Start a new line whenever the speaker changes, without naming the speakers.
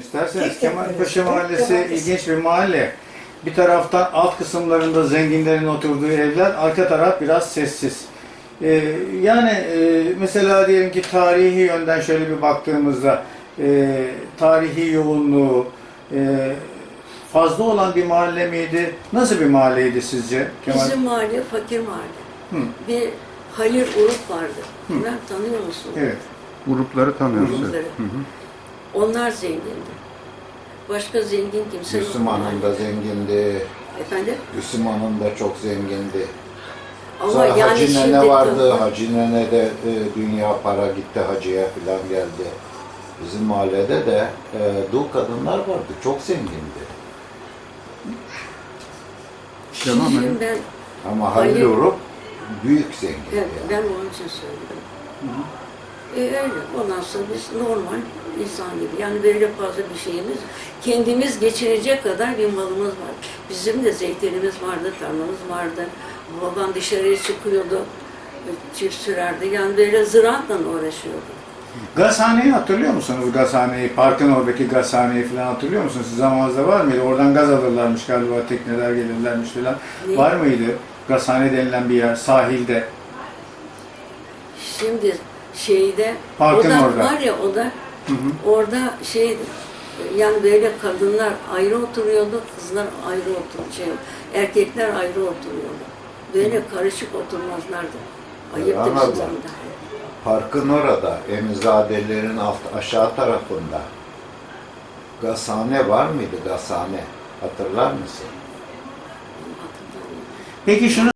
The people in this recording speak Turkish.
isterseniz.
Tek
Kemalpaşa
Mahallesi.
Mahallesi ilginç bir mahalle. Bir taraftan alt kısımlarında zenginlerin oturduğu evler, arka taraf biraz sessiz. Mesela diyelim ki tarihi yönden şöyle bir baktığımızda tarihi yoğunluğu fazla olan bir mahalle miydi? Nasıl bir mahalleydi sizce?
Bizim mahalle fakir mahalle.
Hı.
Bir Halil Uruk vardı. Ben tanıyor musun?
Evet.
Grupları tanıyoruz.
Grupları.
Evet. Hı hı.
Onlar zengindi. Başka zengin kimse yok.
Gülsüm Hanım da zengindi.
Efendim?
Gülsüm Hanım da çok zengindi.
Ama
Sonra
yani
Hacı
şimdi
Nene vardı. Hacı Nene de dünya para gitti hacıya falan geldi. Bizim mahallede de dul kadınlar vardı. Çok zengindi.
Devam
Şimdi
edin.
ben,
Ama Halil
Halil-
Uruk büyük zengindi.
evet, ben
Yani.
onun için söyledim. Öyle. Ondan sonra biz normal insan gibi. Yani böyle fazla bir şeyimiz, kendimiz geçirecek kadar bir malımız var. Bizim de zeytinimiz vardı, tarlamız vardı. Babam dışarıya çıkıyordu, çift sürerdi. Yani böyle ziraatla uğraşıyordu.
Gazhaneyi hatırlıyor musunuz? Gazhaneyi, parkın oradaki gazhaneyi falan hatırlıyor musunuz? Sizin zamanınızda var mıydı? Oradan gaz alırlarmış galiba, tekneler gelirlermiş falan.
Ne?
Var mıydı? Gazhane denilen bir yer, sahilde.
Şimdi şeyde,
Parkın
o da
orada.
var ya o da, orada şeydi, yani böyle kadınlar ayrı oturuyordu, kızlar ayrı oturuyordu, erkekler ayrı oturuyordu. Böyle karışık oturmazlardı. Ayıptı bizim
Anladım.
zamanında.
Parkın orada, Emizadelerin aşağı tarafında gazhane var mıydı? Gazhane. Hatırlar mısın?
Hatırlamıyorum.
Peki şunu